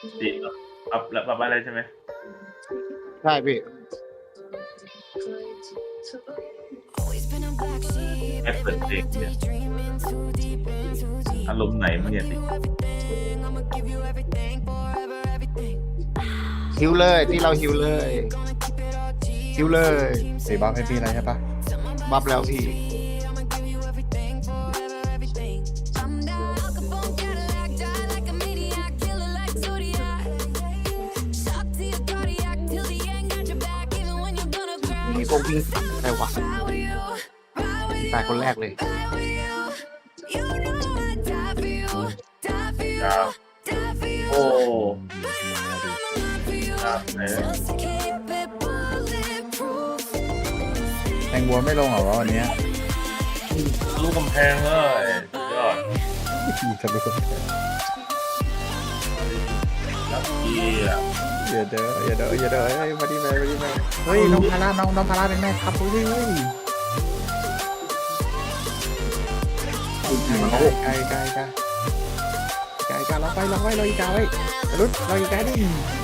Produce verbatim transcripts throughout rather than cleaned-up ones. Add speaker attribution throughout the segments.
Speaker 1: ดิปรับแล้วปรับอะไรใช่ไหม
Speaker 2: ใช่พี่
Speaker 1: แค่เปิดเพลงเนี่ยอารมณ์ไหนมันเนี่ยสิ
Speaker 2: ฮิวเลยที่เราฮิวเลยฮิวเลย
Speaker 3: สีบัฟให้พี่อะไรใช่ปะ
Speaker 2: บัฟแล้วพี่มีโกงพิงใครวะตายคนแรกเลย
Speaker 1: ครับโอ้ครับไหน
Speaker 3: แตงบัวไม่ลงเหรอวะวันเนี้ย
Speaker 1: ลูกกำแพงเลยสุดยอด
Speaker 3: พี่จะไปกด
Speaker 1: แล้วพี่อ่ะ
Speaker 3: อย่าเด้ออย่าเด้ออย่าเด้อเฮ้ยมาดีเลยมาดีเลยเฮ้ยน้องพาราน้องน้องพาราเป็นแม่ครับเฮ้ยเฮ้ยไกลไกลไกลไกลไกลเราไปเราไปเราอีกาไว้รุดเราอีกาดิ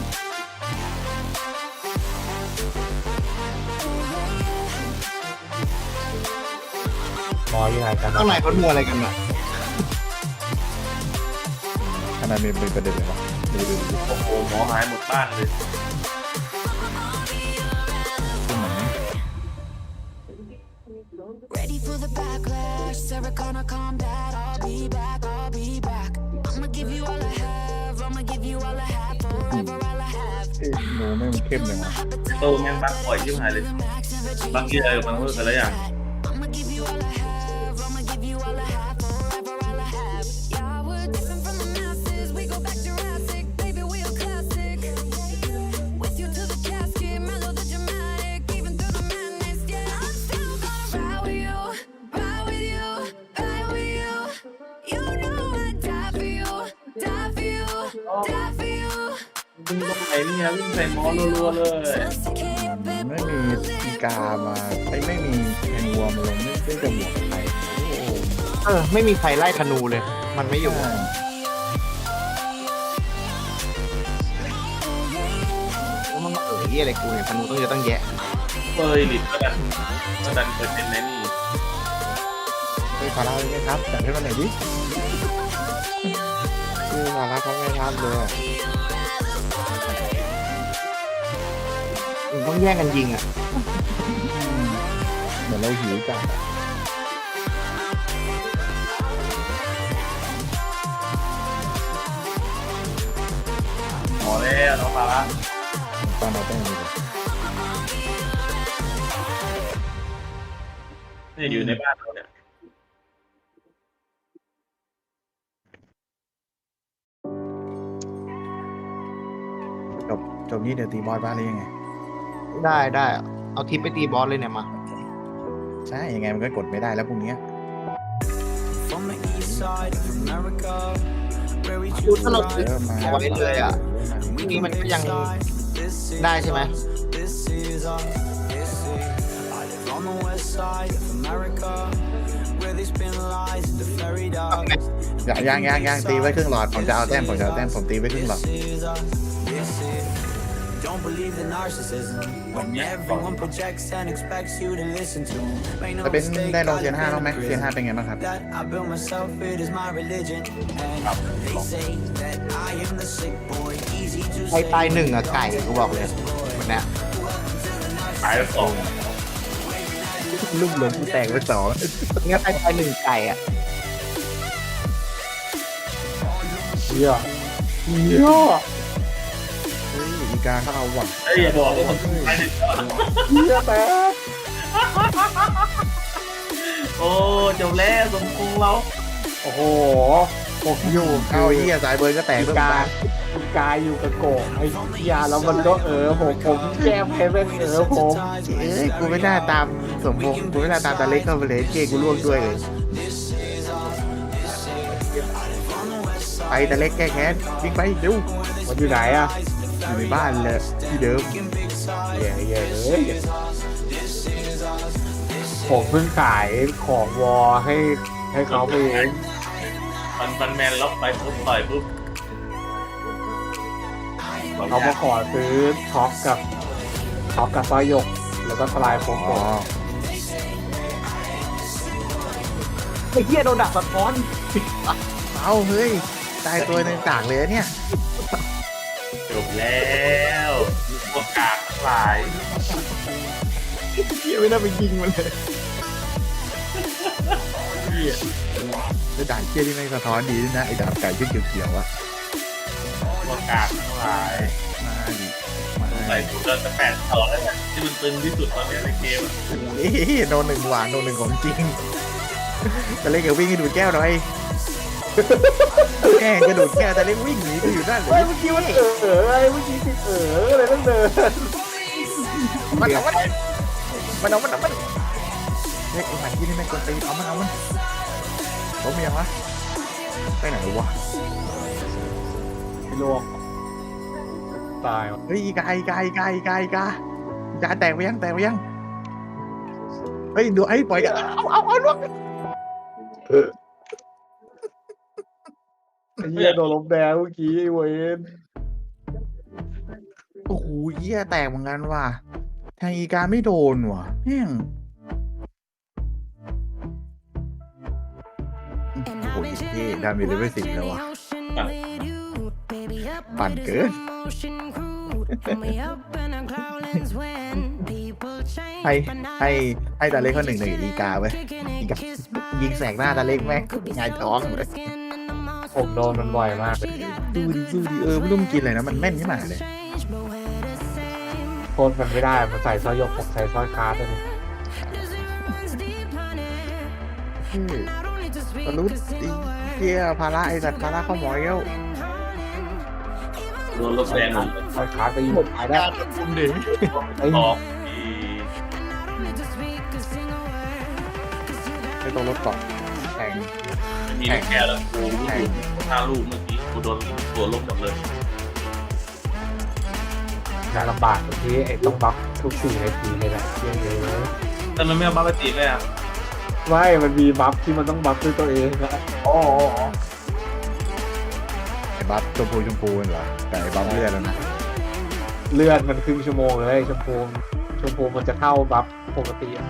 Speaker 4: มอยังไงกัน
Speaker 2: ข้างในเขาดูอะไรกันอ่ะ
Speaker 3: ขนาดมีเป็นประเด็นเลยวะดูดูดู
Speaker 1: โอ้โหหมอหายหมดบ้านเลย
Speaker 3: ขึ้นเหมือน
Speaker 5: Ready for the backlash, Sarah Connor combat, I'll be back, I'll be back. I'ma give you all I have, I'ma give you all I have, forever all I have.
Speaker 3: เอ๊ะหนูไม่มันเข้มเลยวะ
Speaker 1: โตแม่งบักปล่อยยิ่งหายเลยบางทีอะไรมันเพิ่มกันแล้วอย่าง
Speaker 5: I'ma give you all I have, I'ma give you all I have, forever all I have. Yeah, we're different from the masses, we go back Jurassic, baby, we a classic. With you to the casket, mellow the dramatic, even through the madness, yeah, I'm still gonna ride with you, ride with you, ride with you. You know I'd die for you, die for you, die for you.
Speaker 1: วิ่งตรงไหนเนี่ยวิ่งใส่หมอรัวๆเลย
Speaker 5: Just to keep it
Speaker 3: ไม่มีอีกามาไอ้ไม่มีแทงวัวมาลงไม่ได้จะบวกใครโอ้โห
Speaker 2: เออไม่มีใครไล่ธนูเลย มันไม่อยู่ว่ามันมาเอ๋ยอะไรกูเนี่ยธนูต้องเยอะต้องแยะ
Speaker 1: เฟยหลิดก็ดันก็ดันเปอร์เซ็นต์ในนี่
Speaker 3: เฮ้ยพาราเลยไหมครับจัดให้มันหน่อยดิคือพาราเขาไม่รับเลยอะ
Speaker 2: มันต้องแย่งกันยิงอ่ะ
Speaker 3: เหมือนเราหิวจัดอะ
Speaker 1: หมอแล้วน้องปลาละ
Speaker 3: ตอนเราต้องมีเลย
Speaker 1: นี่อยู่ในบ้านเราเนี่ย
Speaker 3: จบจบนี้เดี๋ยวตีบอสบ้านเลยยังไง
Speaker 2: ได้ได้เอาทิปไปตีบอสเลยเนี่ยมา
Speaker 3: ใช่ยังไงมันก็กดไม่ได้แล้วพรุ่งนี้
Speaker 6: From the east side of America, where we
Speaker 2: ดูถ้าเราซื้อ
Speaker 3: เริ่มมา
Speaker 2: เอาไว้เลยอ่ะพรุ่งนี้มันก็ยังได้ใช่ไหม
Speaker 6: this is our history. I live on the west side of America, where they spin lies into fairy dogs.
Speaker 3: ยังยังยังตีไว้ครึ่งหลอดผมจะเอาแต้มผมจะเอาแต้มผมตีไว้ครึ่งหลอด
Speaker 6: This is our this is. Don't believe the narcissism when everyone projects and expects you to listen to. Make no
Speaker 3: จะเป็น
Speaker 6: mistake,
Speaker 3: ได้ลง
Speaker 6: I
Speaker 3: เซียน
Speaker 6: live
Speaker 3: ห้า
Speaker 6: in
Speaker 3: บ้างไหม
Speaker 6: a
Speaker 3: เซียน
Speaker 6: prison
Speaker 3: ห้าเป็นไงบ้างครับ
Speaker 6: that I built myself. It is my religion, and they say that I am the sick boy. Easy to
Speaker 2: ใคร
Speaker 6: say.
Speaker 2: ตายหนึ่งอ่ะไก่กูบอกเลยวันเนี้ย
Speaker 1: ตายแล้วสอง
Speaker 3: ลูกหลงแตกไปสอง
Speaker 2: เนี้ยใครตายหนึ่งไก่อ่ะ
Speaker 4: เหี้ยเหี้ย
Speaker 3: เฮ้ยอีกาเขาเอาว่ะ
Speaker 1: เฮ้ยอย่าบอกว่าผมตายเลย
Speaker 4: เหี้ยแต่
Speaker 1: โอ้จบแล้วสมพงษ์เรา
Speaker 4: โอ้โหผมอยู่
Speaker 3: เอาไอ้เหี้ยสายเบิร์นก็แตก
Speaker 4: อี
Speaker 3: เพิ่ม
Speaker 4: กา
Speaker 3: ตา
Speaker 4: อีกาอยู่กับโกะไอ้เหี้ยแล้วมันก็เออผมผมแก้แพ้เป็นเออผม
Speaker 3: เอ้ยกูไม่น่าตามสมพงษ์กูไม่น่าตามตาเล็กเข้าไปเลยเจ๊กูล่วงด้วยเลยไปตาเล็กแก้แค้นวิ่งไปเร็ว
Speaker 4: มันอยู่ไหนอะ
Speaker 3: อยู่ในบ้านเลยที่เดิม
Speaker 4: เหี้ยเหี้ยเอ้ยผมเพิ่งขายของวอให้ให้เขาไปเอง
Speaker 1: มันมันแมนล็อกไปปุ๊บต่อยปุ๊บ
Speaker 4: เขามาขอซื้อท็อปกับท็อปกับสร้อยหยก แล้วก็สลายโฟม
Speaker 3: อ๋อ
Speaker 2: ไอ้เหี้ยโดนดักสะท้อน
Speaker 3: เอาเฮ้ยตายตัวหนึ่งกากเลยเนี่ย
Speaker 1: จบแล้วพวกกากทั้งหลาย
Speaker 2: เหี้ยไม่น่าไปยิงมันเลย
Speaker 3: แล้วด่านเชี่ยที่ไม่สะท้อนดีด้วยนะไอ้ดาบไก่ชื่อเขียวๆอะ
Speaker 1: พวกกากทั้งหลาย
Speaker 3: มาดิมา
Speaker 1: ใส่ถุงเดินจะแปดต่อแล้วเนี่ยที่มันตึงที่สุดตอนนี้ในเกมอะ
Speaker 3: เอ้ยโดนหนึ่งหวานโดนหนึ่งของจริงแต่เล็กกับวิ่งให้ดูดแก้วหน่อยแม่งกระโดดแก้วแต่เล็กวิ่งหนีไปอยู่ด้านหลั
Speaker 4: เฮ้ย
Speaker 3: ง
Speaker 4: เมื่อกี้มันเออเอออะไรเมื่อกี้ติดเอออะไรต้องเดิน
Speaker 3: มันเอามันมันเอามันเอามันเฮ้ยไอ้หมันที่นี่แม่งกวนตีนเอามันเอามันล้มยังวะไปไหนวะ
Speaker 4: ไม่ลวกตายว่ะ
Speaker 3: เฮ้ยอีกาอีกาอีกาอีกาอีกาอีกาแตกไปยังแตกไปยังเฮ้ยดูไอ้ปล่อยกันเอาเอาเอาลูก
Speaker 4: ไอ้เหี้ยโดนลมแดงเมื่อกี้เว้ย
Speaker 3: โอ้โหเหี้ยแตกเหมือนกันว่ะแทงอีกาไม่โดนว่ะแม่งโอ้โหเท่ดาเมจเลเวลสิบแล้วว่ะปั่นเกินให้ให้ให้ตาเล็กเขาหนึ่งหนึ่งอีกาไว้อีกายิงแสกหน้าตาเล็กแม่งหงายท้องเลย
Speaker 4: ผมโดนมันบ่อยมากเลย
Speaker 3: ดูดิดูดิเออไม่รู้มันกินอะไรนะมันแม่นขึ้นมาเลย
Speaker 4: โคตรมันไม่ได้มันใส่สร้อยหยกผมใส่สร้อยคาร์ดเลย
Speaker 3: เฮ้ยมนุษย์ไอ้เหี้ยภาระไอ้สัตว์ภาระเข้าหมอเย้ว
Speaker 1: โดนลบแดงหมด
Speaker 4: สร้อยคาร์ดก็ยิงตายได้
Speaker 2: คุมดิ
Speaker 4: ไอ้
Speaker 1: ออกที
Speaker 3: ไม่ต้องรถเกาะแข่ง
Speaker 1: ไม่มีลูกแกแล้วกูรู้สึกห้าลูกเมื่อกี้กูโดนตัวลบหมดเลย
Speaker 4: งานลำบากตรงที่ไอ้ต้องบัฟทุกสี่นาทีเลยแหละเยอะเลย
Speaker 1: แต่มันไม่เอาบัฟไปตีไหมอ่ะ
Speaker 4: ไม่มันมีบัฟที่มันต้องบัฟด้วยตัวเองนะ
Speaker 1: อ๋อ
Speaker 3: ไอ้บัฟชมพูชมพูเหรอแต่ไอ้บัฟเลือดแล้วนะ
Speaker 4: เลื่อนมันครึ่งชั่วโมงเลยชมพูชมพูมันจะเท่าบัฟปกติอะ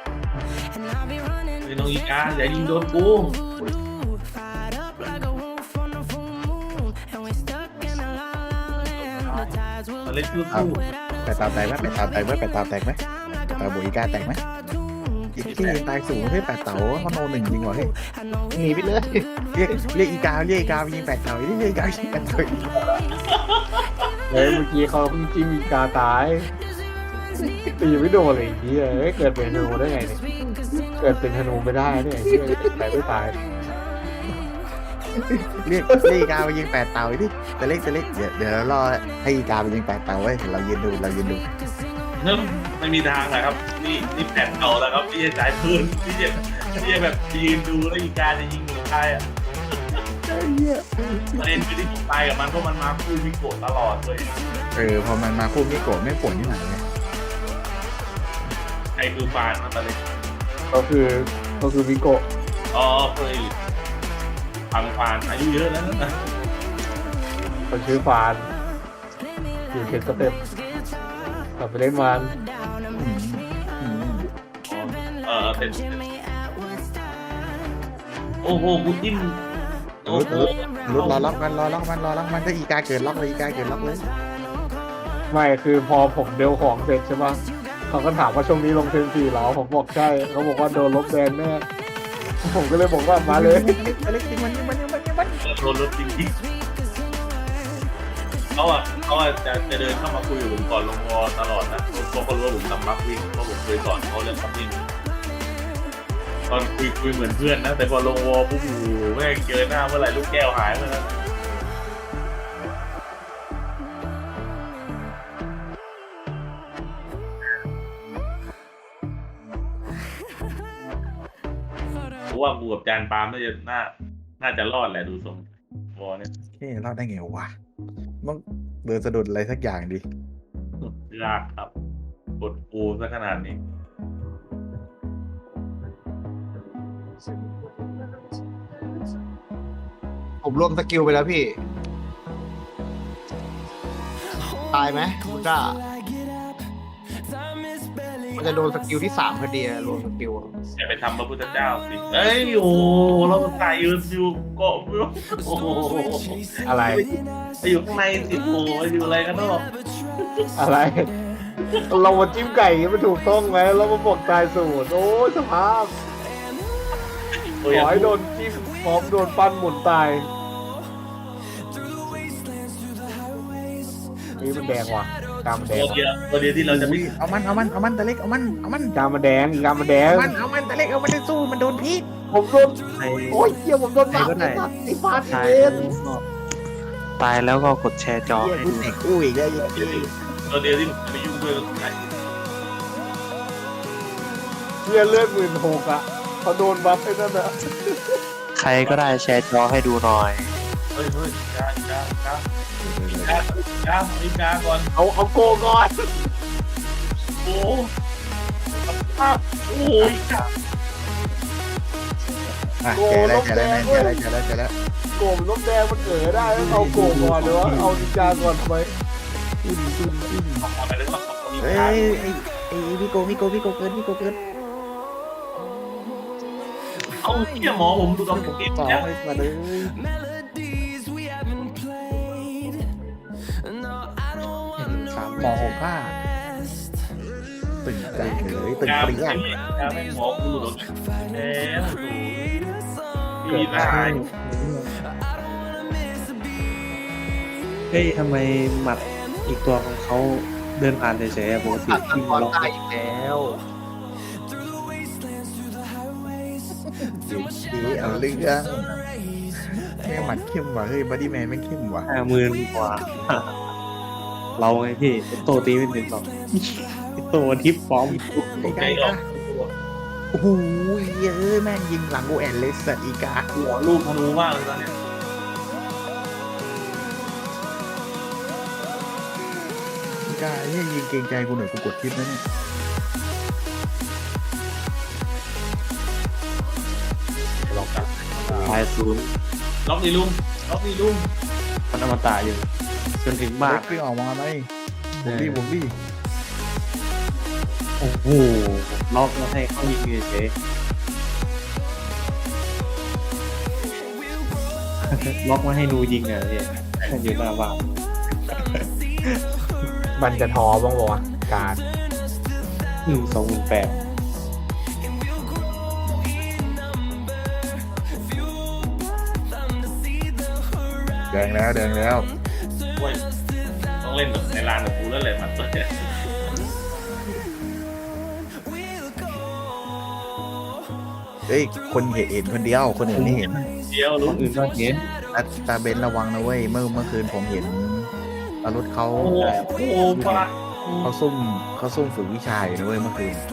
Speaker 1: ไอ้น้องอีกาอย่ายิงโดนกูมาเล่นคู่
Speaker 3: เอา
Speaker 1: คู่
Speaker 3: ไปตามแตกไหมไปตามแตกไหมไปตามแตกไหมตาบุยกาแตกไหมอีกที่ตายสูงเฮ้ยแปดเต๋าเขาโนหนึ่งจริงวะเฮ้ย
Speaker 2: หนีไปเลย
Speaker 3: เรียกเรียกอีกาเรียกอีกาไปยิงแปดเต๋าเรียกอีกายิงแปดเต๋า
Speaker 4: เฮ้ยเมื่อกี้เขาเพิ่งจิ้มอีกาตายตีไม่โดนเลยไอ้เหี้ยเฮ้ยเกิดเป็นธนูได้ไงเนี่ยเกิดเป็นธนูไม่ได้เนี่ยไอ้เหี้ยแต่ไม่ตาย
Speaker 3: เรียกเรียกอีกาไปยิงแปดเต๋าดิแต่เล็กแต่เล็กเดี๋ยวเดี๋ยวเรารอให้อีกาไปยิงแปดเต๋าไว้เดี๋ยวเรายืนดูเรายืนดู
Speaker 1: เนิ่มไม่มีทางนะครับ นี่นี่แผนเก่าแล้วครับที่จะจ่ายพื้นที่จะที่จะแบบยืนดูแล้วอีกาจะยิงหนูตายอ่ะประเด็นคือที่ผมตายกับมันเพราะมันมาคู่มิโกะตลอดเลย
Speaker 3: เออพอมันมาคู่มิโกะไม่ป่นที่ไหนเลย
Speaker 1: ไอ้คือฟานมาตอนเล็ก
Speaker 4: ก็คือก็คือวิโกะ
Speaker 1: อ๋อเคยพังฟานอายุเยอะแล้วนะ
Speaker 4: คนชื่อฟานอยู่เขตสเต็ปกลับไปเล่นมัน
Speaker 3: อืม
Speaker 1: อ๋อเออเป็นโอ้โหกูจิ้มโอ้โห
Speaker 3: รุดรอล็อกมันรอล็อกมันรอล็อกมันถ้าอีกาเกิดล็อกเลยอีกาเกิดล็อกเลย
Speaker 4: ไม่คือพอผมเดลของเสร็จใช่ปะเขาก็ถามว่าช่วงนี้ลงเทนสี่เหรอผมบอกใช่เขาบอกว่าโดนลบแบนแน่ผมก็เลยบอกว่ามาเลย
Speaker 3: เล็กจริงมันมันมันมัน
Speaker 1: โดนรถจริงๆเขาอ่ะเขาอ่ะจะจะเดินเข้ามาคุยกับผมก่อนลงวอตลอดนะเพราะเขารู้ว่าผมทำบัฟวิ่งเพราะผมเคยสอนเขาเรื่องบัฟวิ่งตอนคุยคุยเหมือนเพื่อนนะแต่พอลงวอปุ๊บโอ้โหแม่งเจอหน้าเมื่อไหร่ลูกแก้วหายเมื่อนั้นเพราะว่าบูกับจานปาล์มน่าจะน่าน่าจะรอดแหละดูทรงวอเนี่ย
Speaker 3: เฮ้ยรอดได้ไงวะต้องเดินสะดุดอะไรสักอย่างดิ
Speaker 1: ยากครับกดปูซะขนาดนี้
Speaker 2: ผมรวมสกิลไปแล้วพี่ตายไหมคุณก้ามันจะโดนสกิลที่สามพอดีอะรวมสกิลอะ
Speaker 1: อย่าไปทำพระพุทธเจ้าสิเอ้ยโอ้เราตายยืนอยู่เกาะโอ้โห
Speaker 4: อะไร
Speaker 1: ไปอยู่ข้างในสิโอ้อยู่อะไรกันเนาะ
Speaker 4: อะไร เรามาจิ้มไก่มันถูกต้องไหมเรามาบอกตายสูตรโอ้ยสภาพ
Speaker 1: โอ้
Speaker 4: ข
Speaker 1: ย
Speaker 4: อให้โดนจิ้มพร้อมโดนปั้นหมุนตายนี่มันแดงว่ะกามมันแด
Speaker 1: ตัว
Speaker 4: ง
Speaker 1: เดียวตัวเดียวที่เราจะไม่
Speaker 3: อุ้ยเอามันเอามันเอามันตะเล็กเอามันเอามัน
Speaker 4: กามมันแดงอีกกามมันแดง
Speaker 3: เอามันเอามันตะเล็กเอามันได้สู้มันโดนพิษ
Speaker 4: ผมโดน
Speaker 2: ใคร
Speaker 4: โอ้ยเหี้ยผมโดน
Speaker 2: ใคร
Speaker 4: บัฟ
Speaker 2: ก็ได้
Speaker 4: ไอ้สัตว์ไอ้ฟาด
Speaker 2: ตาย
Speaker 4: เวน
Speaker 2: ตายแล้วก็กดแชร์จอ
Speaker 3: เหี้ย
Speaker 2: ให้
Speaker 3: กู
Speaker 2: ดู
Speaker 3: เตะกู้อีกแล้วยังพี่
Speaker 1: ตัวเดียวที่ไม่ยุ่งด้วยก็คือใคร
Speaker 4: เหี้ยเลือดหมื่นหกอ่ะเขาโดนบัฟไอ้นั่นอ่ะ
Speaker 2: ใครก็ได้แชร์จอให้ดูหน่อย
Speaker 1: เฮ้ยเฮ้ยกาก้ากาก้ากาอีกาก่อน
Speaker 4: เอาเอาโกก่อน
Speaker 1: โอ้โอ้ยกา
Speaker 3: อ่ะแกแล้วแกแล้วแมนแกแล้วแกแล้วแกแล้ว
Speaker 4: โกมันน้ำแดงมันเกิดได้ต้องเอาโกก่อนเลยวะเอานินจาก่อนทำไม
Speaker 1: อะไรเรื่องของมี
Speaker 3: เฮ้ย
Speaker 1: กา
Speaker 3: ไอ้ไอ้ไอ้พี่โกพี่โกพี่โกเกินพี่โกเกิน
Speaker 1: เอาเที่ยหมอผมดูกับผมเอง
Speaker 3: สอง
Speaker 1: เนี่ย
Speaker 3: เลยมาเลย
Speaker 6: melodies we haven't played. No, I don't want
Speaker 3: สามหมอหกห้าตึงใจเลยตึง
Speaker 1: กา
Speaker 3: เปรี้ยง
Speaker 1: กาไม่หมอกูหลุดแล้วโอ้
Speaker 3: เกิ
Speaker 1: ย
Speaker 3: ด
Speaker 1: ตาย
Speaker 7: เฮ้ยทำไมหมัดอีกตัวของเขาเดินผ่านเฉยๆอะปกติ
Speaker 2: ตัดตะ
Speaker 7: ที่
Speaker 2: กอน
Speaker 7: เรา
Speaker 2: ตายอีกแล้ว
Speaker 3: ดีเอาเรื่องแม่งหมัดเข้มว่ะเฮ้ยบัดดี้แมนแม่งเข้มว่ะ
Speaker 7: ห้าหมื่นกว่า เราไงพี่โตตีไม่ถึงหรอกโตทิปฟอร์ม
Speaker 3: ไอ้
Speaker 1: ใจ
Speaker 3: กา
Speaker 1: ออก
Speaker 3: โอ้โหเยอะแม่งยิงหลังโอแอนเลยสัตว์อีกา
Speaker 1: หัวลูกธนูมากเลยตอนเนี้ย
Speaker 3: อีกาเฮ้ยยิงเกรงใจกูหน่อยกูกดทิปนะเนี่ย
Speaker 1: ล็อกกัน
Speaker 7: ตายศูนย์
Speaker 1: ล็อกนี่ลุงล็อกนี่ลุง
Speaker 7: มันอมตะอยู่ จนถึงบ้าน
Speaker 3: เล็กวิ่งออกมาไหมผมดิผมดิ
Speaker 7: โอ้โหล็อกแล้วให้เขายิงเฉยๆ ล็อกมาให้นูยิงอ่ะพี่อยู่หน้าบ้าน
Speaker 4: มันจะท้อบ้างวะการ
Speaker 7: หนึ่งสองหมื่นแปด
Speaker 3: แดงแล้วแดงแล้ว
Speaker 1: โอ้ยต้องเล่นแบบในลานกับกูแล้วแหละมันตัวเนี่ย
Speaker 3: เฮ้ยคนเห็นเห็นคนเดียวคนอื่นไม่เห็น
Speaker 1: เดียว
Speaker 7: ค
Speaker 1: ลุง
Speaker 7: นอื่นก็เห็น
Speaker 3: ตาตาเบนระวังนะเว้ยเมื่อเมื่อคืนผมเห็นอรุธเขา
Speaker 1: โอ้โหโอ้โหปลา
Speaker 3: เขาซุ่มเขาซุ่มฝึกวิชาอยู่นะเว้ยเมื่อคืน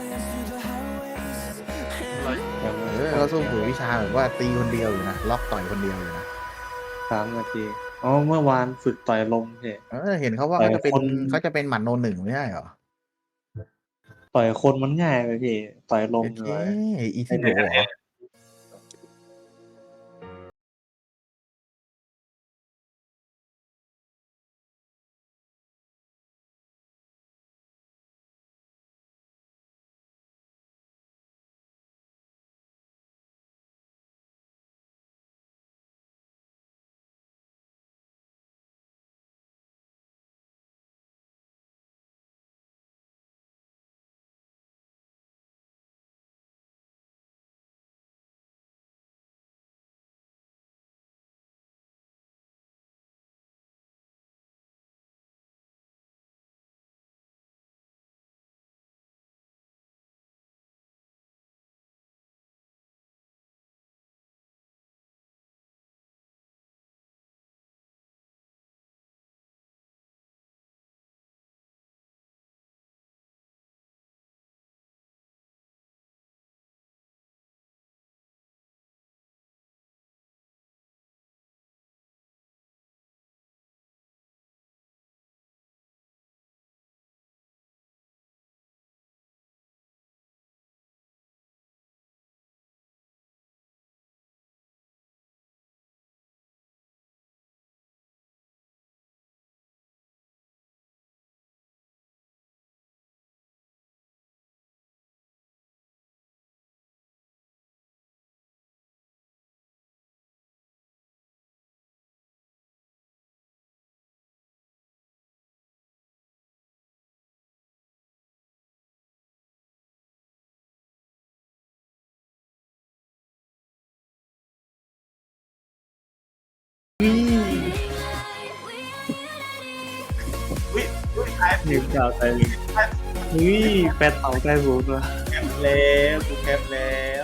Speaker 3: เออเขาซุ่มฝึกวิชาแบบว่าตีคนเดียวอยู่นะล็อกต่อยคนเดียวอยู่นะ
Speaker 7: สามนาทีอ๋อเมื่อวานฝึกต่อยลมพี่
Speaker 3: เออเห็นเขาว่า
Speaker 7: ต่อ
Speaker 3: เขา
Speaker 7: ย
Speaker 3: จะเป็น
Speaker 7: คน
Speaker 3: เขาจะเป็นหมันโนหนึ่งไม่ใช่เหรอ
Speaker 7: ต่อยคนมันง่ายไปพี่ ต่อยลมเล
Speaker 3: เอ้
Speaker 7: ย
Speaker 3: ยอีซิโนะเหรอ
Speaker 7: หนึ่งดาวใจเลยเฮ้ยแปดเต่าใจสูงเลย
Speaker 1: แคปแล้วกูแคปแล้ว